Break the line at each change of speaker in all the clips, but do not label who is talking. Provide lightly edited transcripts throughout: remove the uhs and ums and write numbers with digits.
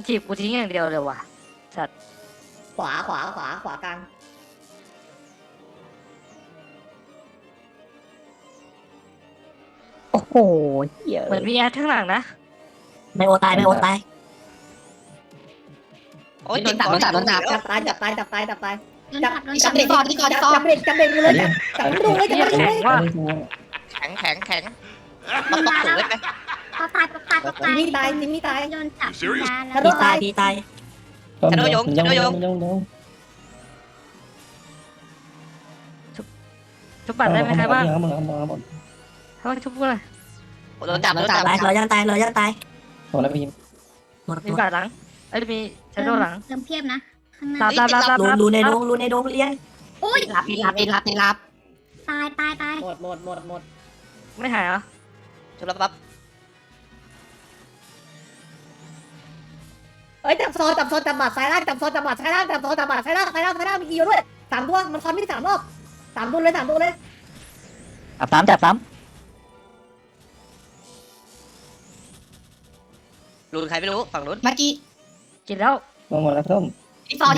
จีบกูทิ้งอย่างเดียวเลยว่ะสัตว์
ขวากลาง
โอ้โหเหี้ย
เหมือนมีแอดข้างหลังนะ
ไม่โอตายไม่โอตาย
โอ้ยโดนจับ
จับตายจับเบรกจับเบรกเลย จับไม่ดูเลยจับไม่ดู
แข็
เล
ง
ย
ว่ะ
แข็งต้องถูกเลยไหม
พอตาย
จิมมี่ตาย
โดนจับยาแล้
ฮั
ว
ลโหล
พี่ตายพี่ตาย
ชโดยง
ชุบบัตรได้ไหมใครบ้างเขาชุบกูเลย
โดนจับ
ตายเรายังตายเรายังตาย
โอ้แล้วพี่
หมด
มีบัตรหลังไอ้ยมีชันโดหลัง
เติมเพียบนะข้างหน้า
รับ
รูในดงรูในดงเลี้ยง
อุ้ย
รับ
ตาย
หมด
ไม่หายเหรอ
ชุบแล้วปั๊บ
เอ้ยจับโซนจับบัตรซ้ายล่างจับโซนจับบัตรซ้ายล่างจับโซนจับบัตรซ้ายล่างมีกี่อยู่ด้วย3 ตัวมันคอนไม่ได้3 รอบ3 ตัวเลย3 ตัวเลย
จับซ้ำ
ลุนใครไม่รู้ฝั่งนู้น
เมื่อกี้
กินแล้ว
ลงหมดแล้วส้ม
ที่ซอ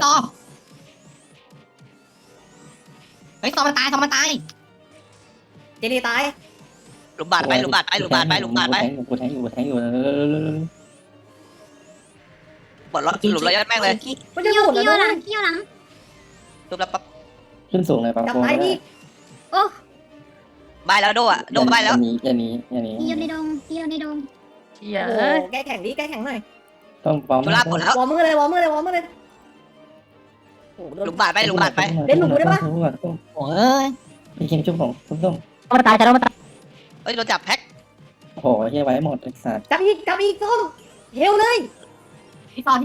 เฮ้ยซอมันตาย
เจนี่ตาย
หลุมบาดไป
กูแทงอยู่ป
ปลดล็อกหลุมระยะแม่งเลย
ไม่ใช่
เกี่ยว
หมดแล้ว
หลั
นะ
งเกี่ยวหลัง
ชุบแล้วปั๊บ
ขึ้นสูงเลยปะ
จับตายนี่
ใบแล้วโดอ่ะโดใบแล้ว
อย่านี้
เกี่ยวในดง
เฮีย
โอ้
เอ้ย
แก้แข่งหน่อย
ต้องปั๊ม
ชุบลาหมดแล้ว
วอร์มือเลยโอ้โห
หลุมบาดไป
โอ้ย
พี่คิมชุบของส้ม
มันตายแต่เรามันตาย
เฮ้ยโดนจับแพ็ค
โอ้โหเฮียไว้หมดไอ้สัตว์
จับอีกส้มเฮลเลย
ที่ซอ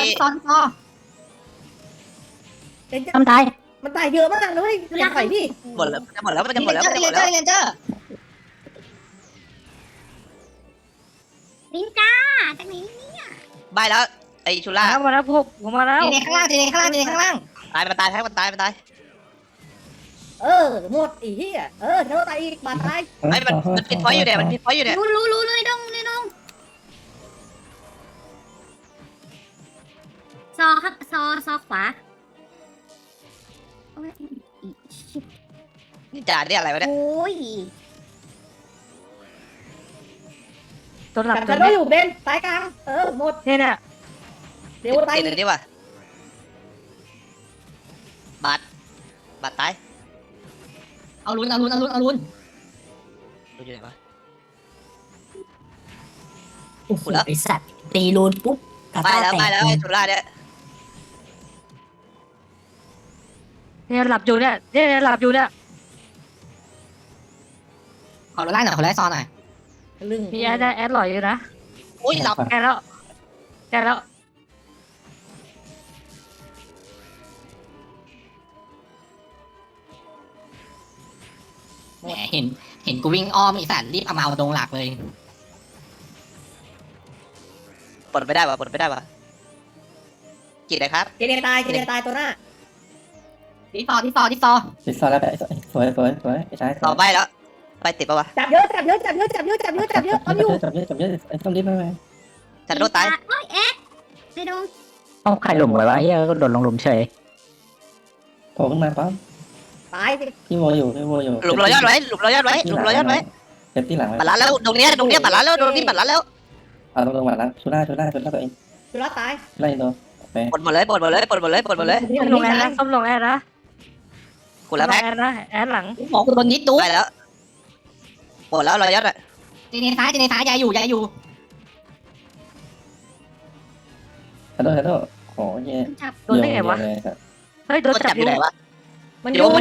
มันตาย
มันตายเยอะมากเลยอย่าปล่อยพี่
หมดแล้วมันจะหมดแล้ว
เรนเจอร์
ลิงจ้าจากไหน
ใบแล้วไอชุล่า
มาแล้วพวกผมมาแล้ว
ทีนี้ข้างล่าง
ตายมันตายแพ็คมันตาย
หมดอีเหี้ยเท่าตายอีกบาดตาย
ไอ้มันปิดพอยอยู่เนี่ยมันปิดพอยอยู่เนี่ย
รู้เลยดงซอครับซอขวา
นี่จ่าเนี่ยอะไรวะเนี่ย
โอ้ย
ตัวหลัก
จับ
ตั
จะ
ว
ได้
นี้
อยู่เบนตายกลางหมด
เนี่ย
เดี๋ยวตาย
ติดเลยดีกว่าบาดตาย
เอาลุ้น
ดูอยู่ไหนวะ
โอ้โหไอสัตว์ตีรูนปุ๊บกระ
ไป
ต้า
แล้ว
แต
ไปแล้ว
ก
ไอ้ชุล่าเนี่ย
เนี่ยหลับอยู่เนี่ยหลับอยู่เนี่ย
ขอไล่หน่อยขอไล่ซอหน่อย
ลึง
มีแอดหล่อยอยู่นะ
อุ้ยหลับ
แกแล้ว
แหมเห็นกูวิ่งอ้อมอีสัตว์รีบเอามาเอาตรงหลักเลย
ปลดไม่ได้วะกี่เลยครับ
เจเนตายตัวหน้า
ที่ซอ
ติดซอยแล้วแบบสวยไอ้ชาย
ต่อใบแล้วไปติดปะวะ
จับเยอะเอาอยู่
จับเยอะไอ้ส้มรีบไป
จัดโดนตาย
โอ้ยเอ็ดในดง
ต้องใครหลุมไว้วะเฮียก็โดนลงหลุมเฉย
โผล่ขึ้นมาปั๊ม
ตายสิ
พี่โวอยู่
หลุมรอยยอดไว้
เก็บที่หลัง
ปัดล้านแล้วตรงเนี้ยปัดล้านแล้วตรงนี้ปัดล้านแล้ว
เอาตรงมาแล้วชุล่าตัวเอง
จุฬาตาย
ไล่ตัว
ปลดหมดเลย
ส้มลงแอดนะ
กูแล้วแพ็ค
แอดหลัง
หมอกูโดนนิดดู
ไปแล้วปลดแล้วรอยยอดอ่ะ
เจเนซ้ายยายอยู่
ขอโทษโอ้ย
จับ
โดนได้ไงวะเฮ้ยโดนจับ
อยู่ไหนวะ
มันยุง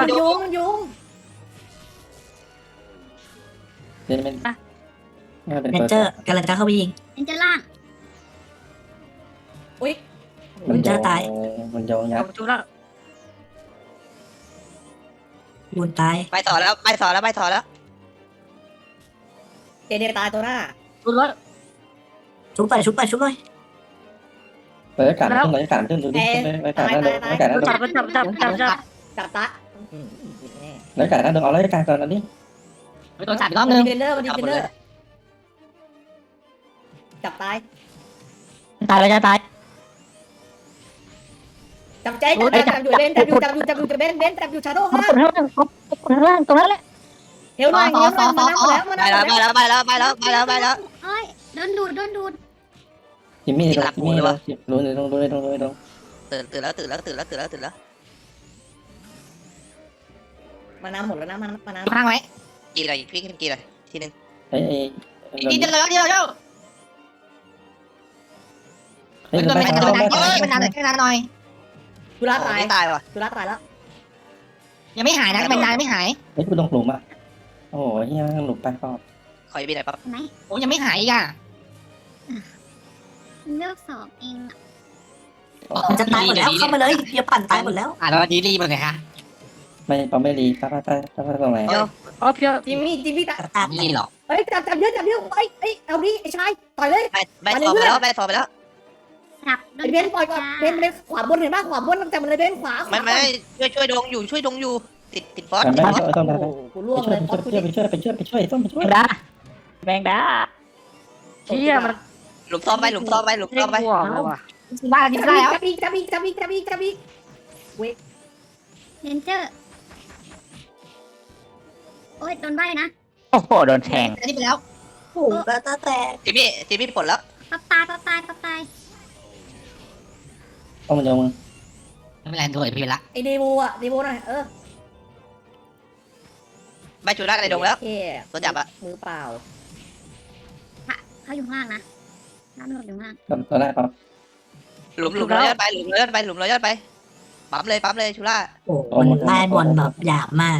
เล่นเป็น
เรนเจอร์กำลังจะเข้าไปยิง
เอ็นเจอล่าง
มันยองยับ
จุแล้ว
รูนตาย
ไปต่อแล้ว
เจเนตายตัวหน้า
จุแล้ว
ชุบไป
เปิดอากาศขึ้นดูดิอากาศน่าดูอากาศน่าดู
จับ
จับตา
อากาศน่าดูเอาอากาศก่อนตอนนี้
โดนจับอีกรอบนึง
เทรนเนอร์จับตาย
ตายแล้วจะตาย
จับใจจับอยู่เบนจับอยู่เบนจับอยู่ชาโดว์
มา
ข้างล่าง
ข้างล่างตรงนั้นแหละ
เฮลหน่อยมานั่งแล้วมา
ไป
นั่ง
แล้ว
แล้ว
ไปแล้วไปแล้วไปแล้วไปแล้วไปแล้ว
เอ้ยโดนดูด
จิมมี่ลงจิมมี่ลงรู้เลยลงรู้เลยลงรู้เลยลง
ตื่นแล้วตื่นแล้วตื่นแล้วตื่นแล้วตื่นแล้ว
มาน้ำหมดแล้วนะมาน้ำ
ข้างไว้
กี่เลยพี่กี่เลยทีนึง
เฮ้ย
ดีเดียวเดียวเดียว
เฮ้ย
มัน
ไป
นาน
เข้า
มันนานหน่อย
จุฬาตาย
ไม่ตายว่ะ
จุฬาตายแล้ว
ยังไม่หายนะเป็นนานไม่หาย
เฮ้ยกูลงหลุมอ่ะโอ้ยเฮียหลุมไปก็
คอยบีหน่อยปั๊บ
ไหน
โอ้ยังไม่หายอีกอ่ะ
เลือกสองเองอะ
มันจะตายหมดแล้วเข้ามาเลยอย่าปั่นตายหมดแล้ว
แล้วดีรีบเลยค่ะ
ไม่ปั๊มไม่รีป้าตรงไหน
เดี๋ยวอ๋อเพียว
จิมมี่ตาย
ตาย
นี่หรอ
เฮ้ยจับเยอะเอ้ยเอาดิไอ้ชายต่อยเลย
ใบฟอร์ไปแล้วใบฟอร์ไปแล้ว
จับโด
ไอ้
น
เบนปล่อยก่อนเบนขวาบนเห็นป่ะขวาบนจับมันเลยเบนขวา
ไม่ช่วยดงอยู่ช่วยดงอยู่ติดฟอส
ไม่ต้อง
โอ้กูล่วงเลย
ไปช่วยต้องไปช่วย
แมงดาแมงดา
เชี่ยมัน
หลุมซ้อมไปหลุมซ้อมไปหลุม
เด้
ซ้อง มไป
หัวเลยว่ะ
ว่า
จั
ได้แล้ว
บอีก
เลนเจอร์โอ้ยโดนใบนะ
โอ้โหโดนแทง
อันนี้ไปแล้ว
โอ้โหตาแตก
จิมมี่ปลดแล้ว
ปั๊บตาย
ต้องมันยงมึง
ไม่เป็นไรโดนพี่ละ
ไอ้เดโวหน่อย
ใบจูร่าในดงแล้ว
โอเค
ตัวจับอะ
มือเปล่า
เขาอยู่ข้างล่างนะน้ำหลดอยู่ข้างล่าง
ตอนแรกปั๊ม
หลุมร้อยยอดไปหลุมร้อยยอดไปหลุมร้อยยอดไปปั๊มเลยจูร่า
โอ้โหมันได้บอลแบบหยาบมาก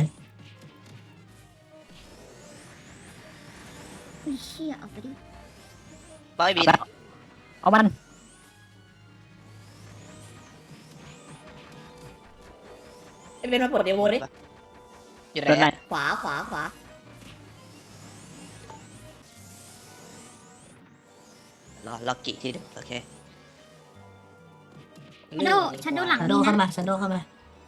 อุ้ยเชี่ยเอาไปดิ
ปั๊มไม่บี
เอามัน
ไอ้เบนมาปลดเดโวดิ
อยู่
โดน
ไห
ไห
น
น
ขวา
รอกี่ทีนึงโอเค
ชันโดหลัง
ชาโด
นี่
เข้า
นะ
มาชาโดเข้ามา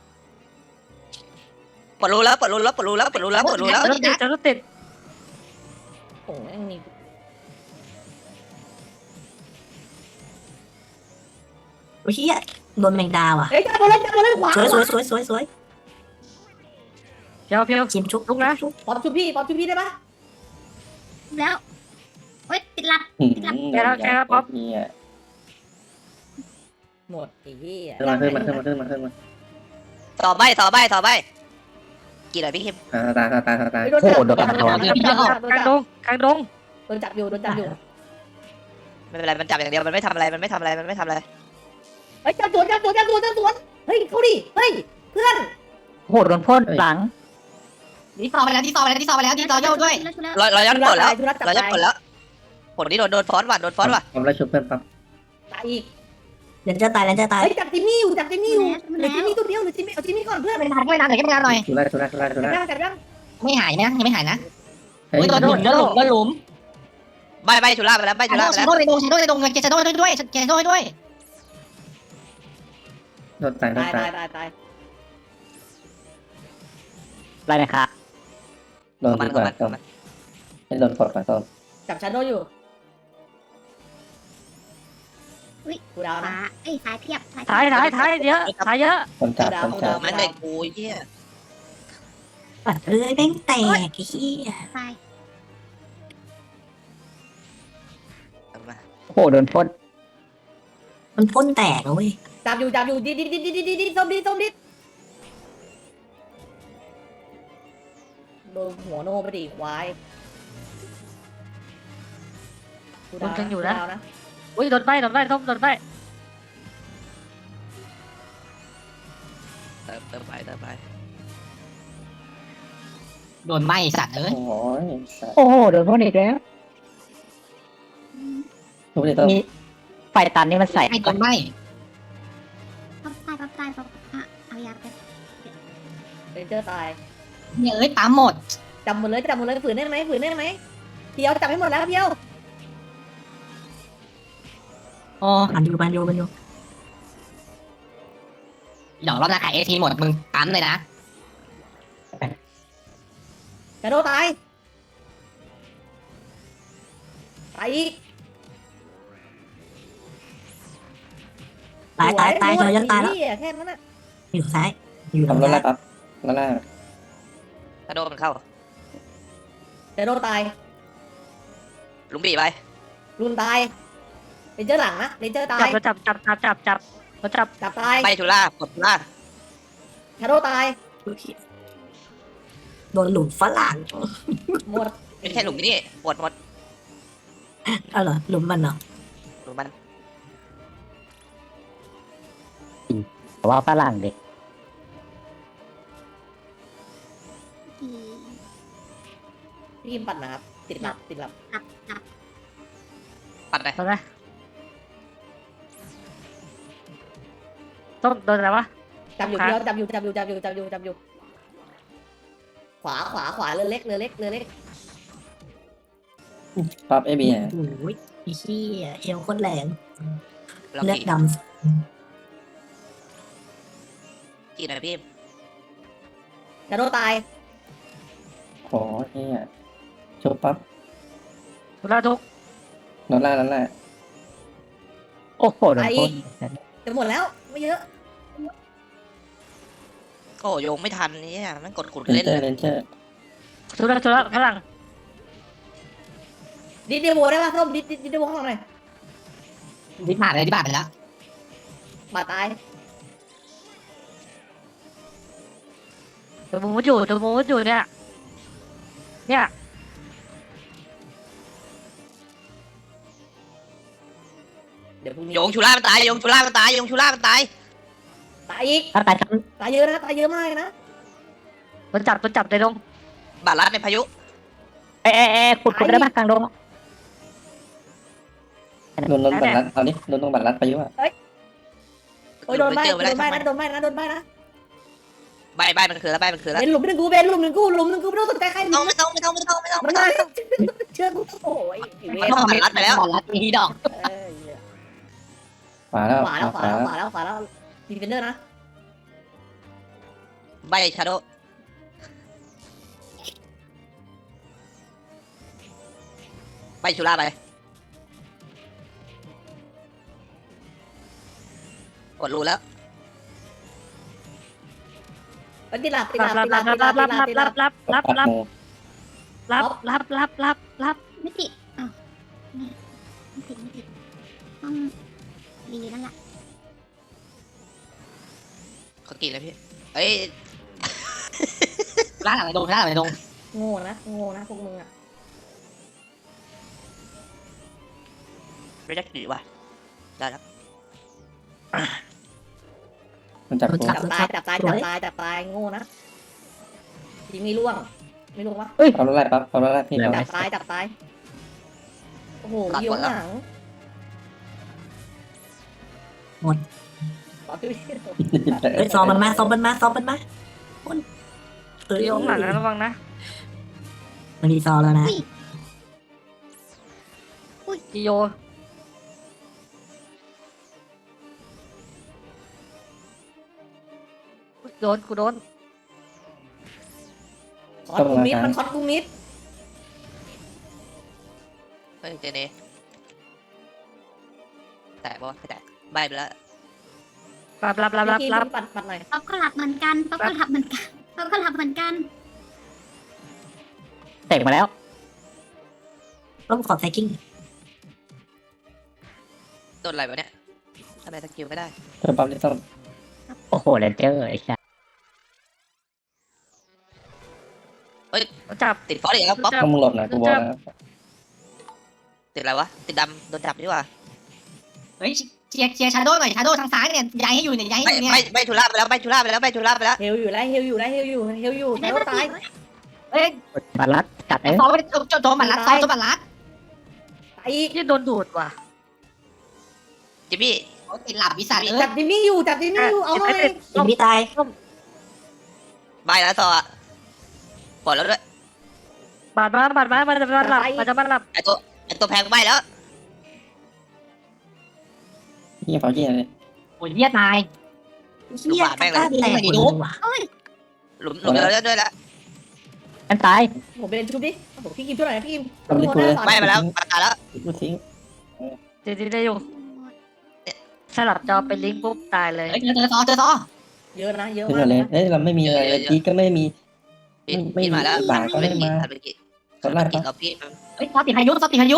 ปลดรูแล้วปลดรูแล้ว
จะรถติด
โอ้ยนี่
โอ้ยเฮียโดนแมงดาว่ะ
เฮ้ยจับมาเลยขวา
สวย
เพียว
ชิมชุบ
ลุกนะ
ปอบชุบพี่ได้ปะ
แล้วโอ้ยติดหลับ
เนี่ย
หมดไอ้เหี้ย
ขึ้นมา
ต่อใบกี่หน่อยพี่คิม
ตาย
โดนจับ
กลางดง
โดนจับอยู่
ไม่เป็นไรมันจับอย่างเดียวมันไม่ทำอะไร
เฮ้ยจับสวนเฮ้ยเขาดิเฮ้ยเพื่อน
โหโดนพ่นหลัง
ที่ซอไปแล้วที่ซอโยกด้วย
ร้อยยอดปลดแล้ว
จุฬาจับ
ร้อยยอดปลดแล้วผลนี้โดนฟอนต์ว่ะ
ปั๊มแล้วชุบเพื่อนปั๊ม
ตายอีก
เดี๋ยวจะตายแล้วจะตาย
เฮ้ยจับจิมมี่อยู่เหลือจิมมี่ตัวเดียวหรือจิมมี่เอาจิมมี่ก่อนเพื่อน
ไม่นานหน่อยก็ไม่นานหน่อย
ชุบได้
จับยัง
ไม่หายนะยังไม่หายนะ
เฮ้ย
โดนหลุม
ใบจูร่าไปแล้ว
ชาโดในดงด้วยชาโดด้วย
โดนตาย
ตาย
ได้นะครับ
โดนก่อนต้มให้โดนกดก่อนต้ม
จับชาโดอยู่กูดาว
ข
นะ
วาเอ้ยซ้ายเพียบ
ท้ายเยอะท้ายเยอะ
คนจับ
มันเด็กกูเหี้ย
ปัดเรื่อยแม่งแตกไอ้เหี้ย
ซ้าย
โอ้โหโดนพ่นมันพ่นแตกเลย
จับอยู่ดิส้มดิโดนหัวโนไปดิควายนะ
อุ้ยโดนใบส้มโดนใบ
เติมไป
โดนไหมสัตว์เอ้ย
โอ้ย
โอ้โหโดนพ่นอีกแล้ว
ชุบได้ต้ม
มีไฟตันนี่มันใส่
ไม่โดนไหม
ปั๊บตายเอายาไป
เรนเจอร์ตาย
เนี่ยปั๊มหมด
จับหมดเลยฝืนได้ไหมเพียวจับให้หมดแล้วเพียว
โอ้
มันอยู่
เดี๋ยวรอบหน้าขายทีหมดมึงปั๊มเลยนะ
ชาโดตายอีก
ตายตายตายเธอจะตายแล้ว
แค่นั้นน่ะ
อยู่ซ้ายอยู่
ทำรถไล่
ซ้าย
ปั๊บรถไล่
กระโดดมันเข้า
เดี๋ยวโดนตาย
ลุงบีไป
รุนตายเลนเจอร์หลังนะเลนเจอร์ตาย
จับจับ
จับตาย
ไปทุล่ากดทุล่า
ชาโดตาย
โดนหลุมฝรั่ง
หมด
ไม่ใช่หลุมนี่ปวดหมด
เอาเหรอหลุมมันเหรอ
หลุมมัน
ว่าฝรั่งเด็ก
อี
พี่กิมปัดนะครับติดหลับ
ปัดเลย
โดนไหมต้องโดนอะไรวะ
จับอยู่เดียวจับอยู่ขวาเรือเล็ก
ปั๊บเอบี
โอ้ยไอ้เหี้ยเอวโคตรแรง
เรา
เลือด
กี่
ด
กี่หน่อยพี่
ชาโดตาย
ขอเฮียจบปั๊บ
ทุลาทุก
รถไล่
โอ้โหโดนพ่น
จะหมดแล้วไม่เยอะ
โอ้โยงไม่ทันนี่มันกดขุด
เลน
เล่น
เจอ
เลย
ร์เลนเจอร์
ทุลาข้างหลัง
ดิเดโวได้ป่ะส้มดิเดโวข้างหลังหน่อย
ที่ผ่านเลยที่ผ่านไปแล้ว
บาดตาย
ตัวมูดอยู่เนี่ย
เดี๋ยวพรุ่งนี้
โยงชูล่ามันตายโยงชูล่ามันตาย
ตายอีก
ถ้าตายทั้ง
ตายเยอะนะตายเยอะมากนะ
โดนจับในดง
บาดรัดในพายุ
เอ๊ะขุดได้ปะกลางดง
โดนบัตรรัดเอาดิโดนตรงบัตรรัดไปยุ่งอ่ะ
โอ้ยโดนใบ
เจอไปแล้ว
นะ
ใบมันคือแล้วใบมันคือแล้ว
เป็นหลุมหนึ่งกูไม่ต้องสนใจใคร
ไม่ต้องไม่ต้อง
มันมาเชื่อกูโอ้ย
มันต้องบาดรัดไปแล้ว
บอลรัดมีดอก
ขวาแล้ว
ขวาแล้วดีเฟนเดอร์นะ
ใบชาโดใบชูล่าไปกดรูแล้ว
ติดหลับ
รับ
ไม่ติดอ้าวไม่ติดต้องดีนั่นแหละ
เขากี่แล้วพี่เอ้ย
ร้านอะไรตรงร้านอะไรตรง
โง่นะพวกมึงอ่ะ
ไม่ได้กี่ว่ะได้แล้ว
มันจับกู
จับตายโง่นะทีมีล่วงไม่ล่วงวะ
เอารถไล่ปั๊บเอารถไล่พี่เอา
จับตายโอ้โหเยี่ยวหนัง
เฮ้ยซ้อมมันมาเอ้ย
โยงหลังนะระวังนะ
มันดีซอแล้วนะ
จิโยโดน
คอสกูมิดมันคอสกูมิด
เฮ้ยเจเนแตะบ่ไม่แตะใบไปแล้ว
รับ
ปัดหน่อย
ป๊อปก็หลับเหมือนกัน
เตะมาแล้ว
ต้องขอไซกิ้ง
โดนอะไรวะเนี่ยทำไมสกิลไม่ได้
เจอปั๊บที่ต้อง
โอ้โหเลนเจอร์ไอ้ชา
จับ
ติดฟอสอีกแล้วป๊อป
ต้องมึงหลบหน่อยกูบอกนะ
ติดอะไรวะติดดำโดนจับดีกว่า
เฮ้ยเชียร์ชาโดหน่อยชาโดทางซ้ายเนี่ยย้ายให้อยู่เนี่ยย้ายให้อยู่เนี่ย
ใบชูล่าไปแล้วใบชูล่าไปแล้ว
เฮลอยู่ชาโดตาย
เฮ้ย
บาลัดกัดเอ้ย
ซ้อมไปโจมบัลลัดซ้อมโจมบัลลัด
ตายอีก
ที่โดนดูดว่ะ
จิมมี่
ติดหลับวิสัทเอ้ย
จับจิมมี่อยู่เอาหน่อย
ยิงพี่ตาย
ใบแล้วต่อปลดแล้วด้วย
บาดมามันจะมาหลับ
ไอตัวแพงใบแล้ว
เฮียเขาเฮียเลย
โอ้ยเหี้ยตาย
เหี้ยกล้าแตกหมดเลยว่ะ
หลุมแล้วด้วยละ
อันตาย
ผมเป็นชุบดิผมพี่กิมช่วยหน่อยพี่กิม
ทำดิกูเลย
ใบไปแล้วปากกาแล้ว
กูทิ้ง
จริงได้อยู่สลับจอเป็นลิงก์ปุ๊บตายเลย
เฮ้ยเจอซอเจอซอ
เยอะนะเยอะ
ขึ้น
มาก
มาเลยเอ้ยเราไม่มีอะไรเลยจีก็ไม่มี
พี่
ไม่
พี่มาแล้ว
บาทก็ไม่มา
ทันเมื่อกี้
ตอนแรก
กิน
ปะ
เราพี่
เฮ้ยซอติดพายุซอติดพายุ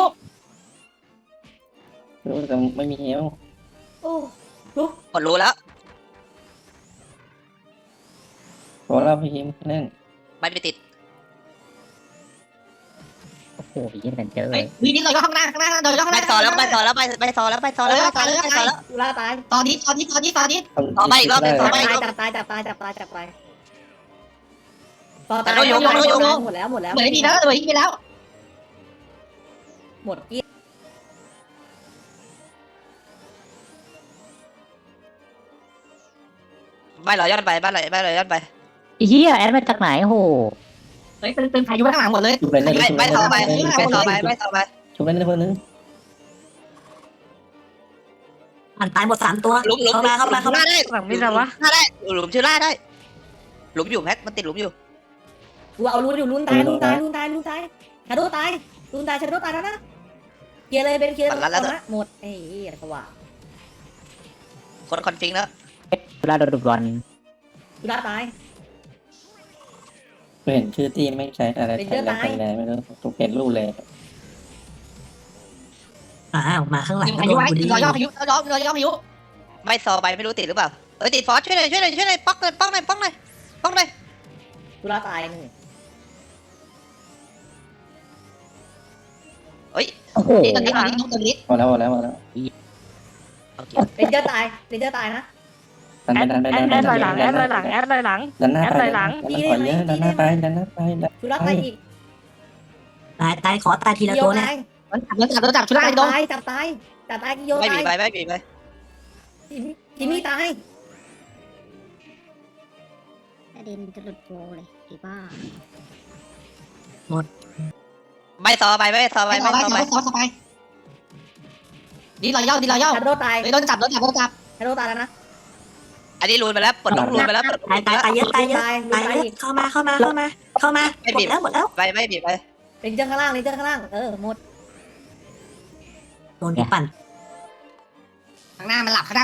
แต่ไม่มีเฮล
โอ้
หมดรู้แล้ว
ขอเราพี่ฮิมเล่น
ไม่ไปติด
โอ้โหยี่เลนเจอร์
เฮ้ยวีนี้เราย่อข้างหน้าเราย่อข้างห
ไป
น้า
ต่อแล้วไปต่อแล้วไปต่อแล้วไปต่อแล้วไปต่อแล้วไปต่อแล้ว
ตุลาตาย
ตอนนี้
ต่อไปอีกรอบหนึ่งต่อไป
จับตายต่อตาย
แต่เรายก
หมดแล้ว
เหมือนดีแล้วเหมือนดีแล้ว
หมดกี้
ไม่เราย้อนไปบ้านเราย้อนไป
เฮียแอดมาจากไหนโอ้โห
เฮ้ยเป็นพายุข้างหลังหมดเลย
ชุบเล่นเลย
ไม่ต่อไปไม่ต่อไปไม่ต่อไป
ชุบเล่นเลยคนนึง
มันตายหมด3 ตัว
หลุม
เข้ามา
ได้
หลังมีอะไรวะ
ได้หลุมชื่อล่าได้ หลุมอยู่แพ็คมันติดหลุมอยู่
กูเอาลุ้นอยู่ลุ้นตายชาโดตายชาโดตายแล้วนะเคลียร์เลยเป็นเคลียร์นะหมดไอ้อะไรก็ว่า
คนคอนฟิงแล้ว
เวลาโดนบอล
ตุลาตาย
เห็นชื่อที่ไม่ใช้อะไรใช้แล้วใช้แล้วไม่รู้ทุกเห็นรูปเลย
มาข้างหลัง
พายุไว้เราย่อพายุเราย่อพายุ
ไม่ซอไปไม่รู้ติดหรือเปล่าติดฟอสช่วยหน่อยป๊อกหน่อย
ตุลาตายหนึ่ง
เฮ้ย
โอ้โห
ตอนนี้ตัวนี้
พอแล้ว
เรนเจอร์ตายนะ
ดัน
แอดลอยหลังแอดลอยหลังแอดลอยหลัง
ดันหน้าไปดันหน้าไป
ตุลาตายอีก
ตายขอตายทีละตัวเนี่ย
เราจับชุดแรกโดน
จับตายกิโย
ไม่
ตา
บี
ย
ไปไม่บีไป
จิมมี่ตาย
ประเด็นจะหลุดโกเลยไอ้บ้า
ไม่ซอไปไม่ซอไปไม่ซอไป
ซอไปดีเราย่อ
ชาโดตาย
โดนจับ
ชาโดตายแล้วนะ
อันนี้รูนไปแล้วปลดล็อกรูนไปแล้ว
ตายเยอะเข้ามาเข้ามาหมดแล้ว
ไปไม่บีไป
เรนเจอร์ข้างล่างหมด
โดนปั่น
ข้างหน้ามันหลับ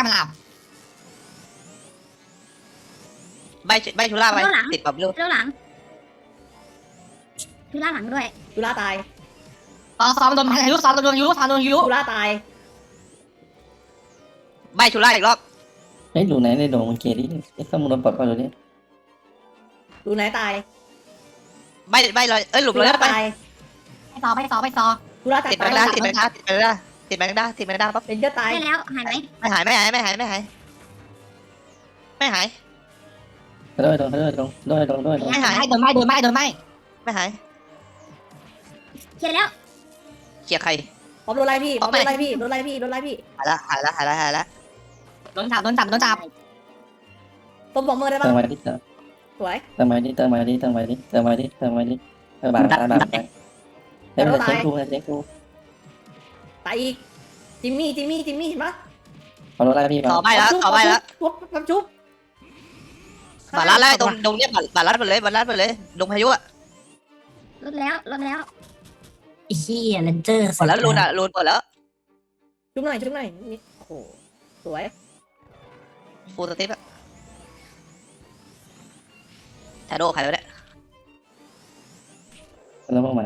ไม่ชุล่าไปติดแบบลูก
เจ้าหลังคือล่าหลังด้วย
ตุลาตาย
ซ้อมโดนพายุซ้อมโดนยู
ตุลาตาย
ไม่ชุล่าอีกรอบ
เฮ้ยดูไหนในโดงมันเกลี่ไอ้ข้อมูลปลดก่อนดูนี่
ดูไหนตาย
ไม่เลยหลุมเลยไป
ตาย
ไปซอ
ตุลาตาย
ติดแมงดาปั๊บ
เรนเจอร์ตาย
ได้แล้วหายไหม
ไม่หาย
โดน
ไม่หายโดนไม่
ไม่หาย
เคลียร์แล้ว
เคลียร์ใคร
พร้อมโดนไล่พี่
พร้อมไหม
หายละ
โดนจับ
ต้มบอกมือได้
เติ
ปะ
มไว้ดิ
สวย
เติมไว้ดิบาทเช็คดู
ตายอีกจิมมี่เห็นปะ
เอารถไล่พี่
ต่อไปแล้ว
จุ๊บ
บาลัดไล่ตรงเนี้ยบาลัดไปเลยลงพายุอ่ะ
ลดแล้ว
อีซี่เลนเจอร์
หมดแล้วรูนหมดแล้ว
จุ๊บหน่อยนี่โอ้โหสวย
ฟูลสติ๊ปอะชาโดใครวะเนี่ย
แล้วพวกมัน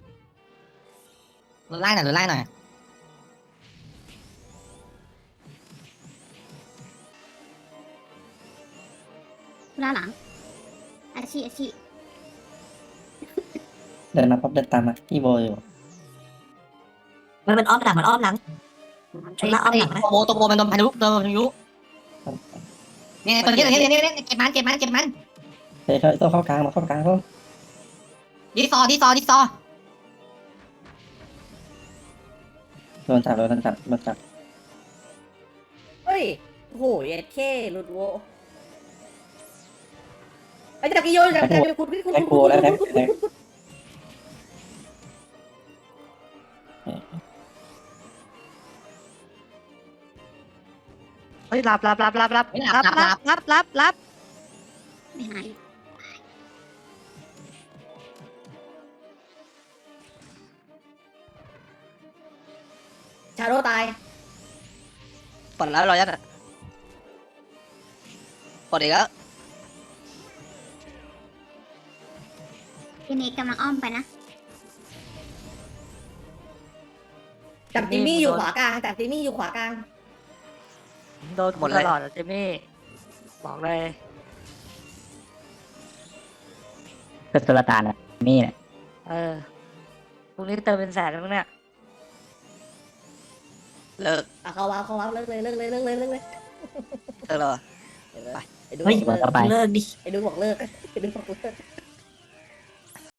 ไล่หน่อย
ล่าหลังอาชี
เดินมาปั๊บเดินตามมาพี่โบอยู่
มันอ้อมหลังชุดละอ้อมหลังนะ
ตัวโบมันโดนพายุเนี่ยตัวนี้เก็บมัน
เฮ้ยต้องเข้ากลางมาเข้ากลางก็
ดิซอ
โดนจับมาจับ
เฮ้ยโอ้โหเอ็ดเคหลุดโวไอ้จักรยานคุณ
แท็กโบแล้วแท็ก
เฮ้ยรับ
ไม่หาย
ชาโดตาย
ปลดแล้วรอยัดอ่ะปลดอีกแล้ว
พี่เนกกำลังอ้อมไปนะ
จับจิมมี่อยู่ขวากลางจับจิมมี่อยู่ขวากลาง
โดนตลอดอะเจมี่บอกเลย
ก็สุลต่านอะนี่แหละ
พรุ่งนี้เติมเป็นแสนแล้วเนี่ย
เลิก
เขาว้าวเลิกเลย
เลิกแล้วเหรอ
ไอ้ดู
เฮ้ย
บอกเลิก
เลิกดิ
ไอ้ดูบอกเลิกไอ้ดูบอกเลิก